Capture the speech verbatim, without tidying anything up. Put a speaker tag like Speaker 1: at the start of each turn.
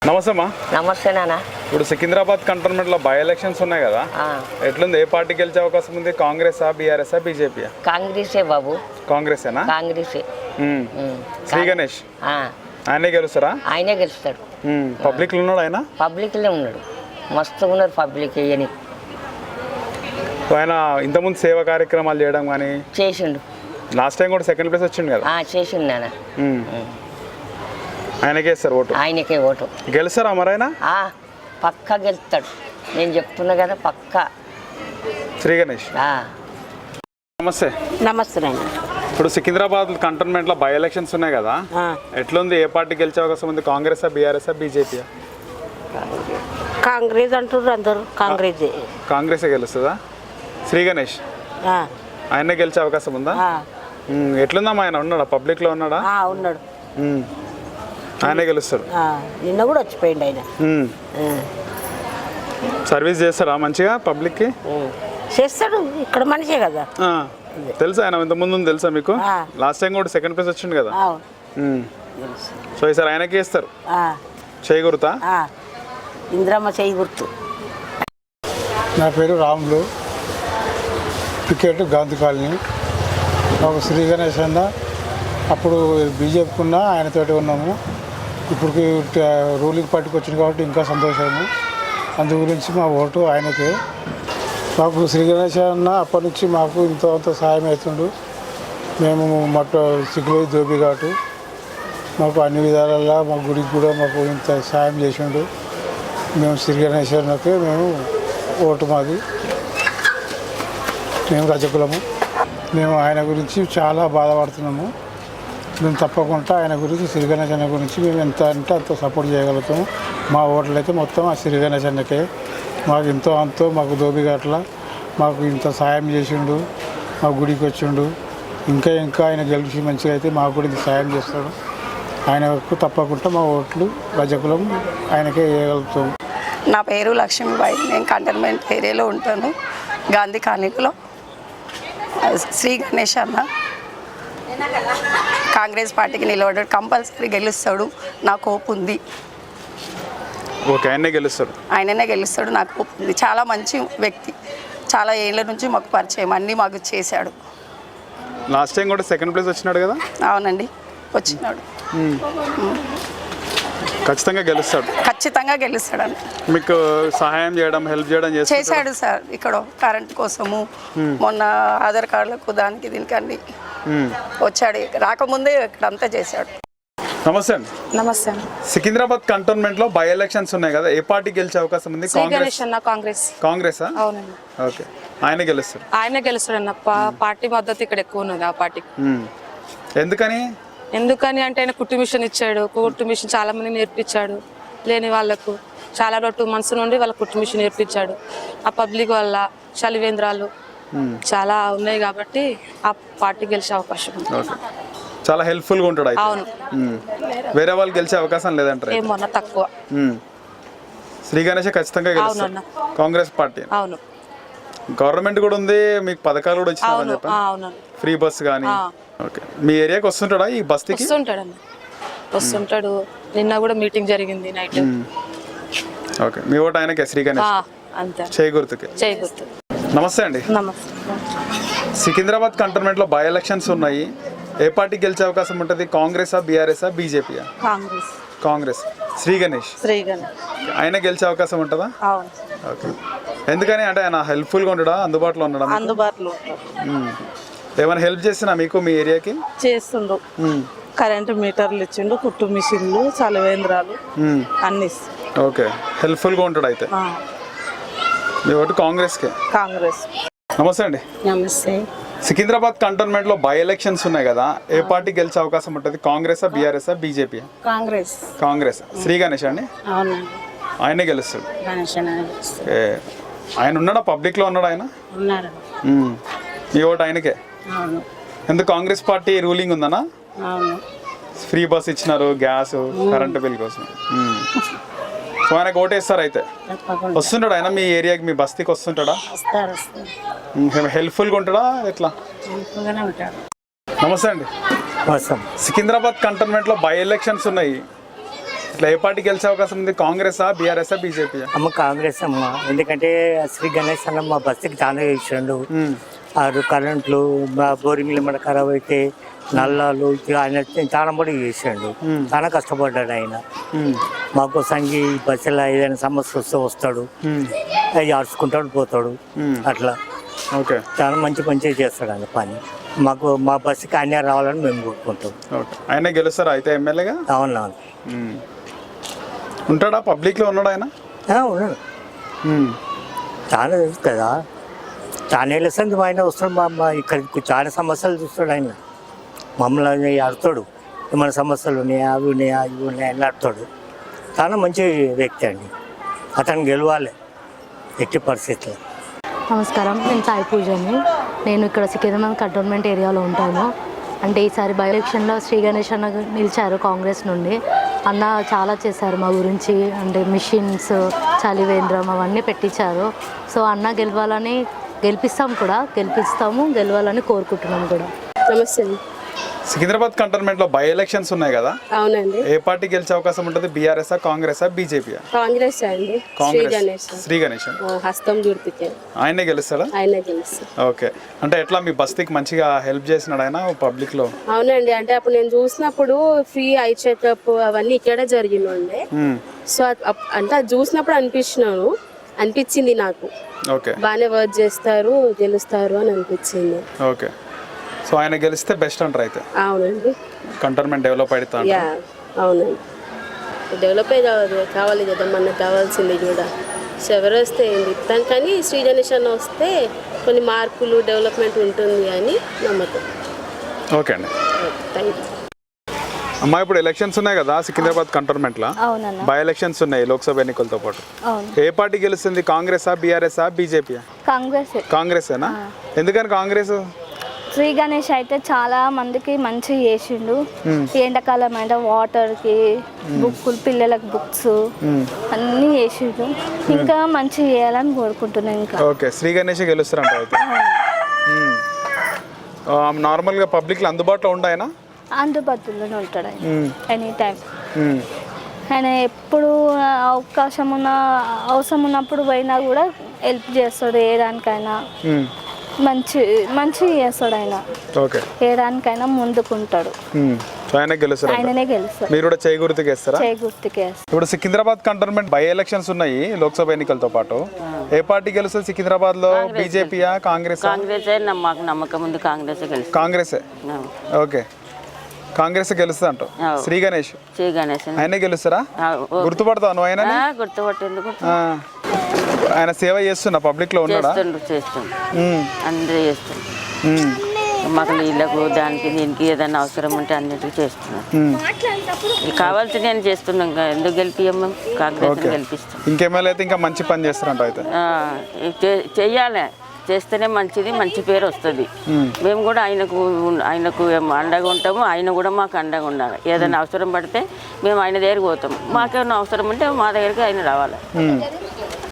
Speaker 1: నమస్తే అమ్మా.
Speaker 2: నమస్తే నాన్న.
Speaker 1: ఇప్పుడు సికింద్రాబాద్ కంటోన్మెంట్ లో బై ఎలక్షన్స్ ఉన్నాయి కదా, ఎట్లుంది? ఏ పార్టీ గెలిచే అవకాశం ఉంది? కాంగ్రెస్ ఆ బీఆర్ఎస్ ఆ బీజేపీ?
Speaker 2: కాంగ్రెసే బాబు.
Speaker 1: కాంగ్రెసేనా?
Speaker 2: కాంగ్రెసే.
Speaker 1: శ్రీ గణేష్ ఆయనే గెలుస్తారా?
Speaker 2: ఆయనే గెలుస్తాడు.
Speaker 1: పబ్లిక్ లో ఉన్నాడు ఆయన?
Speaker 2: పబ్లిక్ లో ఉన్నాడు, మస్తుగా ఉన్నారు పబ్లిక్. అని
Speaker 1: ఆయన ఇంతకుముందు సేవా కార్యక్రమాలు చేయడం కానీ
Speaker 2: చేసిండు.
Speaker 1: లాస్ట్ టైం కూడా సెకండ్ ప్లేస్ వచ్చిండు కదా.
Speaker 2: చేసిండు నాన్న.
Speaker 1: ఆయనకే ఇస్తారు ఓటు?
Speaker 2: ఆయనకే ఓటు.
Speaker 1: గెలుస్తారా మరి ఆయన?
Speaker 2: పక్కా గెలుస్తాడు, నేను చెప్తున్నా కదా, పక్కా.
Speaker 1: శ్రీ గణేష్ నమస్తే.
Speaker 3: నమస్తే నాయన.
Speaker 1: ఇప్పుడు సికింద్రాబాద్ కంటోన్మెంట్ లో బై ఎలక్షన్స్ ఉన్నాయి కదా, ఎట్లుంది? ఏ పార్టీ గెలిచే అవకాశం ఉంది? Congress BRS BJP?
Speaker 3: కాంగ్రెస్ అంటారు అందరు. కాంగ్రెస్
Speaker 1: కాంగ్రెసే గెలుస్తుందా? శ్రీ గణేష్ ఆయనే గెలిచే అవకాశం ఉందా? ఎట్లుందమ్మా ఆయన? ఉన్నాడా పబ్లిక్ లో? ఉన్నాడా?
Speaker 3: ఉన్నాడు.
Speaker 1: ఆయనే గెలుస్తాడు.
Speaker 3: నిన్న కూడా వచ్చిపోయింది ఆయన.
Speaker 1: సర్వీస్ చేస్తాడా మంచిగా పబ్లిక్ కి?
Speaker 3: చేస్తాడు, ఇక్కడ మనిషే కదా.
Speaker 1: తెలుసా ఆయన ఇంత ముందు? తెలుసా మీకు? లాస్ట్ టైం కూడా సెకండ్ ప్లేస్ వచ్చిండు కదా. సో ఈసారి ఆయనకే ఇస్తారు. చేయి గుర్తా?
Speaker 3: ఇంద్రమ్మ చేయి గుర్తు.
Speaker 4: నా పేరు రాములు, టికెట్ గాంధీ కాలనీ. మాకు శ్రీ గణేష్ అన్న అప్పుడు బీజేపీకి ఉన్నా ఆయనతోటి ఉన్నాము. ఇప్పుడు రూలింగ్ పార్టీకి వచ్చింది కాబట్టి ఇంకా సంతోషము. అందు గురించి మా ఓటు ఆయనకే. మాకు శ్రీ గణేష్ అన్న అప్పటి నుంచి మాకు ఇంత అంత సహాయం అవుతుండు. మేము మట్ట సిగ్గులో దోబి కాబట్టి మాకు అన్ని విధాలలో మా గుడికి కూడా మాకు ఇంత సాయం చేసిండు. మేము శ్రీ గణేష్ అన్నకే మేము ఓటు మాది. మేము రజకులము. మేము ఆయన గురించి చాలా బాధపడుతున్నాము. మేము తప్పకుండా ఆయన గురించి శ్రీ గణేష్ అన్న గురించి మేము ఎంత అంటే అంత సపోర్ట్ చేయగలుగుతాము. మా ఓట్లు అయితే మొత్తం ఆ శ్రీ గణేష్ అన్నకే. మాకు ఎంతో అంతో మాకు దోబిఘాట్ల మాకు ఇంత సాయం చేసిండు. మా గుడికి వచ్చిండు. ఇంకా ఇంకా ఆయన గెలిచి మంచిగా అయితే మాకు కూడా ఇంత సాయం చేస్తాడు. ఆయనకు తప్పకుండా మా ఓట్లు రజకులం ఆయనకే వేయగలుగుతాము.
Speaker 5: నా పేరు లక్ష్మీబాయి, నేను కంటోన్మెంట్ ఏరియాలో ఉంటాను, గాంధీ కాలనీలో. శ్రీ గణేష్ అన్న కాంగ్రెస్ పార్టీకి నిలబడ్డాడు, కంపల్సరీ గెలుస్తాడు, నాకు హోప్ ఉంది.
Speaker 1: ఓకే, ఆయనే గెలుస్తాడు.
Speaker 5: ఆయననే గెలుస్తాడు, నాకు హోప్ ఉంది. చాలా మంచి వ్యక్తి, చాలా ఏళ్ళ నుంచి మాకు పరిచయం, అన్నీ మాకు చేశాడు.
Speaker 1: లాస్ట్ టైం కూడా సెకండ్ ప్లేస్ వచ్చినాడు కదా.
Speaker 5: అవునండి, వచ్చినాడు.
Speaker 1: ఖచ్చితంగా గెలుస్తాడు.
Speaker 5: ఖచ్చితంగా గెలుస్తాడు.
Speaker 1: మీకు సహాయం చేయడం, హెల్ప్ చేయడం
Speaker 5: చేశాడు సార్. ఇక్కడ కరెంట్ కోసము, మొన్న ఆధార్ కార్డులకు దానికి దీనికి అన్ని వచ్చాడు. రాకముందే ఇక్కడ అంతా చేశాడు.
Speaker 1: నమస్తే అండి.
Speaker 6: నమస్తే.
Speaker 1: సికింద్రాబాద్ కంటోన్మెంట్ లో బై ఎలక్షన్స్ ఉన్నాయి కదా, ఏ పార్టీ గెలిచే అవకాశం ఉంది?
Speaker 6: కాంగ్రెస్ అన్న. కాంగ్రెస్.
Speaker 1: కాంగ్రెస్?
Speaker 6: అవునండి.
Speaker 1: ఓకే, ఆయన గెలుస్తాడు.
Speaker 6: ఆయన గెలుస్తాడు అన్న. పార్టీ మద్దతు ఇక్కడ ఎక్కువ ఉన్నది ఆ పార్టీకి.
Speaker 1: ఎందుకని?
Speaker 6: ఎందుకని అంటే ఆయన కుట్టు మిషన్ ఇచ్చాడు. కుట్టు మిషన్ చాలా మంది నేర్పించాడు, లేని వాళ్ళకు చాలా రోజు టూ మంత్స్ నుండి వాళ్ళ కుట్టు మిషన్ నేర్పించాడు. ఆ పబ్లిక్ వల్ల చలివేంద్రాలు చాలా ఉన్నాయి కాబట్టి ఆ పార్టీ గెలిచే అవకాశం ఉంది.
Speaker 1: చాలా హెల్ప్ఫుల్ గా ఉంటాడు.
Speaker 6: అవును.
Speaker 1: వేరే వాళ్ళు గెలిచే అవకాశం లేదంటారు?
Speaker 6: ఏమన్నా తక్కువ.
Speaker 1: శ్రీ గణేష్ ఖచ్చితంగా గెలుస్తాడు. కాంగ్రెస్ పార్టీ.
Speaker 6: అవును.
Speaker 1: గవర్నమెంట్ కూడా ఉంది, మీకు పథకాలు కూడా వచ్చినాయని చెప్పండి.
Speaker 6: అవును.
Speaker 1: ఫ్రీ బస్ కానీ. ఓకే, మీ ఏరియాకి వస్తుంటాడా ఈ బస్తీకి?
Speaker 6: వస్తుంటాడు అన్న, వస్తుంటాడు. నిన్న కూడా మీటింగ్ జరిగింది నైట్.
Speaker 1: ఓకే, మీ ఓటు ఆయనకే, శ్రీ గణేష్.
Speaker 6: అంతే,
Speaker 1: చేయి గుర్తుకే.
Speaker 6: చేయి గుర్తు.
Speaker 1: నమస్తే అండి.
Speaker 6: నమస్తే.
Speaker 1: సికింద్రాబాద్ కంటోన్మెంట్ లో బై ఎలక్షన్స్ ఉన్నాయి, ఏ పార్టీ గెలిచే అవకాశం ఉంటుంది? Congress BRS BJP?
Speaker 6: కాంగ్రెస్.
Speaker 1: కాంగ్రెస్. శ్రీ గణేష్
Speaker 6: శ్రీ గణేష్
Speaker 1: ఆయన గెలిచే అవకాశం ఉంటుందా?
Speaker 6: అవును.
Speaker 1: ఓకే, ఎందుకని? అంటే ఆయన హెల్ప్ఫుల్ గా ఉండడా, అందుబాటులో ఉండడా?
Speaker 6: అందుబాటులో.
Speaker 1: ఏమైనా హెల్ప్ చేసినా మీకు మీ ఏరియాకి?
Speaker 6: చేస్తుండ్రు. కరెంటు మీటర్లు ఇచ్చిండు, కుట్టు మిషన్లు, చలివేంద్రాలు అన్ని.
Speaker 1: ఓకే, హెల్ప్ఫుల్ గా ఉంటాడు అయితే. మీ ఓటు కాంగ్రెస్ కే?
Speaker 6: కాంగ్రెస్.
Speaker 1: నమస్తే అండి.
Speaker 3: నమస్తే.
Speaker 1: సికింద్రాబాద్ కంటోన్మెంట్ లో బై ఎలక్షన్స్ ఉన్నాయి కదా, ఏ పార్టీ గెలిచే అవకాశం ఉంటుంది? Congress BRS BJP?
Speaker 3: కాంగ్రెస్.
Speaker 1: కాంగ్రెస్. శ్రీ గణేష్ అండి.
Speaker 3: అవునండి,
Speaker 1: ఆయనే గెలుస్తాడు.
Speaker 3: గణేష్
Speaker 1: ఆయన ఉన్నాడా పబ్లిక్ లో? ఉన్నాడు ఆయన?
Speaker 3: ఉన్నారు.
Speaker 1: మీ ఓటు ఆయనకే?
Speaker 3: అవును.
Speaker 1: ఎందుకు? కాంగ్రెస్ పార్టీ రూలింగ్ ఉందనా?
Speaker 3: అవును.
Speaker 1: ఫ్రీ బస్ ఇచ్చినారు, గ్యాస్, కరెంటు బిల్ కోసం. సో ఆయనకు ఓటేస్తారు అయితే. వస్తుంటాడు ఆయన మీ ఏరియాకి, మీ బస్తీకి వస్తుంటాడా? హెల్ప్ఫుల్గా ఉంటాడా ఎట్లా? నమస్తే అండి. సికింద్రాబాద్ కంటోన్మెంట్ లో బై ఎలక్షన్స్ ఉన్నాయి, ఇట్లా ఏ పార్టీ గెలిచే అవకాశం ఉంది? కాంగ్రెసా, బీఆర్ఎస్ఆ, బీజేపీయా?
Speaker 7: అమ్మ కాంగ్రెస్ అమ్మ, ఎందుకంటే శ్రీ గణేష్ అన్న మా బస్సుకి చాలా చేసిండు. ఆరు కరెంట్లు, మా బోరింగ్లు మన ఖరాబ్ అయితే నల్లాలు ఆయన చాలా పడి చేసిండు. చాలా కష్టపడ్డాడు ఆయన మాకు. సంగి బస్సులో ఏదైనా సమస్య వస్తే వస్తాడు, అవి ఆడుచుకుంటాడు పోతాడు. అట్లా
Speaker 1: ఓకే,
Speaker 7: చాలా మంచి మంచిగా చేస్తాడు ఆయన పని. మాకు మా బస్సుకి ఆయన రావాలని మేము కోరుకుంటాం.
Speaker 1: ఓకే, ఆయనే గెలుస్తారా అయితే ఎమ్మెల్యేగా?
Speaker 7: అవునా,
Speaker 1: ఉంటాడా? పబ్లిక్లో ఉన్నాడు ఆయన?
Speaker 7: ఉన్నాడు. చాలా తెలుసు కదా, చాలా ఏళ్ళ సంది ఆయన వస్తాడు. మా మా ఇక్కడికి చాలా సమస్యలు చూస్తాడు ఆయన. మమ్మల్ని ఆడుతాడు, ఏమైనా సమస్యలు ఉన్నాయా, అవి ఉన్నాయా, ఇవి ఉన్నాయా అని ఆడుతాడు. చాలా మంచి వ్యక్తి అండి, అతను గెలవాలి ఎట్టి పరిస్థితుల్లో.
Speaker 8: నమస్కారం, నేను సాయి పూజని. నేను ఇక్కడ సికింద్రాబాద్ కంటోన్మెంట్ ఏరియాలో ఉంటాను. అంటే ఈసారి బై ఎలక్షన్లో శ్రీ గణేష్ అన్న నిలిచారు కాంగ్రెస్ నుండి. అన్న చాలా చేశారు మా గురించి, అంటే మిషన్స్, చలివేంద్రం అవన్నీ పెట్టించారు. సో అన్న గెలవాలని, గెలిపిస్తాం కూడా, గెలిపిస్తాము, గెలవాలని కోరుకుంటున్నాం కూడా.
Speaker 9: నమస్తే.
Speaker 1: సికింద్రాబాద్ కంటోన్మెంట్లో బై ఎలక్షన్స్ ఉన్నాయి కదా,
Speaker 9: అవునండి.
Speaker 1: ఏ పార్టీ గెలిచే అవకాశం ఉంటుంది? బీఆర్ఎస్ఆ, కాంగ్రెసా, బీజేపీయా?
Speaker 9: కాంగ్రెస్ అండి.
Speaker 1: కాంగ్రెస్. శ్రీ గణేష్
Speaker 9: హస్తం జుడిపితే
Speaker 1: ఆయనే గెలుస్తాడా?
Speaker 9: ఆయన గెలుస్తారు.
Speaker 1: ఓకే, అంటే ఎట్లా మీ బస్తీకి మంచిగా హెల్ప్ చేసినాడు ఆయన పబ్లిక్ లో?
Speaker 9: అవునండి, అంటే అప్పుడు నేను చూసినప్పుడు ఫ్రీ ఐ చెకప్ అవన్నీ ఇక్కడే జరిగినండి. సో అప్- అంటే అది చూసినప్పుడు అనిపించినాను అనిపించింది నాకు,
Speaker 1: ఓకే
Speaker 9: బాగానే వర్క్ చేస్తారు, గెలుస్తారు అని అనిపించింది.
Speaker 1: ఓకే, సో ఆయన గెలిస్తే బెస్ట్ అంటారు అయితే?
Speaker 9: అవునండి.
Speaker 1: కంటోన్మెంట్ డెవలప్ అవుతా
Speaker 9: యా, అవునండి. డెవలప్ అయ్యి కావాలి కదా మనకు కావాల్సింది కూడా. సో ఎవరు వస్తే ఏంది తను, కానీ శ్రీ గణేష్ అన్న వస్తే కొన్ని మార్పులు డెవలప్మెంట్ ఉంటుంది అని నమ్మకం.
Speaker 1: ఓకే అండి,
Speaker 9: థ్యాంక్ యూ.
Speaker 1: అమ్మా ఇప్పుడు ఎలక్షన్స్ ఉన్నాయి కదా సికింద్రాబాద్ కంటోన్మెంట్ లో,
Speaker 8: అవునన్నా.
Speaker 1: బై ఎలక్షన్స్ ఉన్నాయి లోక్సభ ఎన్నికలతో పాటు.
Speaker 8: అవును.
Speaker 1: ఏ పార్టీ గెలుస్తుంది? కాంగ్రెసా, బీఆర్ఎస్ఆ, బీజేపీయా?
Speaker 8: కాంగ్రెస్.
Speaker 1: కాంగ్రెసేనా? ఎందుకని కాంగ్రెస్?
Speaker 8: శ్రీ గణేష్ అయితే చాలా మందికి మంచి చేసిండు. ఈ ఎండాకాలం అంటే వాటర్కి, బుక్కులు, పిల్లలకు బుక్స్ అన్నీ చేసిండు. ఇంకా మంచి చేయాలని కోరుకుంటున్నాను. ఇంకా
Speaker 1: ఓకే, శ్రీ గణేష్ గెలుస్తారంట అయితే? నార్మల్గా పబ్లిక్లో అందుబాటులో ఉండాయన?
Speaker 8: అందుబాటులోనే ఉంటాడు ఆయన ఎనీ టైం. ఆయన ఎప్పుడు అవకాశం ఉన్న, అవసరం ఉన్నప్పుడు పోయినా కూడా హెల్ప్ చేస్తాడు. ఏ దానికైనా మంచి మంచి చేస్తాడు ఆయన.
Speaker 1: ఓకే,
Speaker 8: ఏ దానికైనా ముందుకుంటాడు.
Speaker 1: ఆయన గెలుస్తారు,
Speaker 8: ఆయననే గెలుస్తాడు.
Speaker 1: మీరు కూడా చేయి గుర్తుకు వేస్తారా?
Speaker 8: చేయి గుర్తుకే వేస్తాడు.
Speaker 1: ఇప్పుడు సికింద్రాబాద్ కంటోన్మెంట్ బై ఎలక్షన్స్ ఉన్నాయి లోక్సభ ఎన్నికలతో పాటు. ఏ పార్టీ గెలుస్తుంది సికింద్రాబాద్ లో? బీజేపీయా, కాంగ్రెస్?
Speaker 2: కాంగ్రెస్ మాకు నమ్మకం ఉంది, కాంగ్రెస్ గెలుస్తుంది.
Speaker 1: కాంగ్రెసే. ఓకే, కాంగ్రెస్ గెలుస్తుంది అంట. శ్రీ గణేష్
Speaker 2: శ్రీ గణేష్
Speaker 1: ఆయనే గెలుస్తారా? గుర్తుపడతావు నువ్వు ఆయన?
Speaker 2: గుర్తుపట్టేందుకు
Speaker 1: ఆయన సేవ చేస్తున్నా పబ్లిక్ లో ఉన్నాడా?
Speaker 2: చేస్తుండ్రు, అందరూ చేస్తుండ్రు. మాకు నీళ్ళకు, దానికి, దీనికి ఏదైనా అవసరం ఉంటే అన్నిటికీ చేస్తున్నాం. కావాల్సి నేను చేస్తున్నాం, ఎందుకు గెలిపియం మేము? కాంగ్రెస్ గెలిపిస్తాం.
Speaker 1: ఇంకెమ్మెల్యే అయితే ఇంకా మంచి పని చేస్తారంట అయితే?
Speaker 2: చెయ్యాలి, చేస్తేనే మంచిది, మంచి పేరు వస్తుంది. మేము కూడా ఆయనకు ఆయనకు అండగా ఉంటాము, ఆయన కూడా మాకు అండగా ఉండాలి. ఏదైనా అవసరం పడితే మేము ఆయన దగ్గరికి పోతాం. మాకేమైనా అవసరం ఉంటే మా దగ్గరికి ఆయన రావాలి.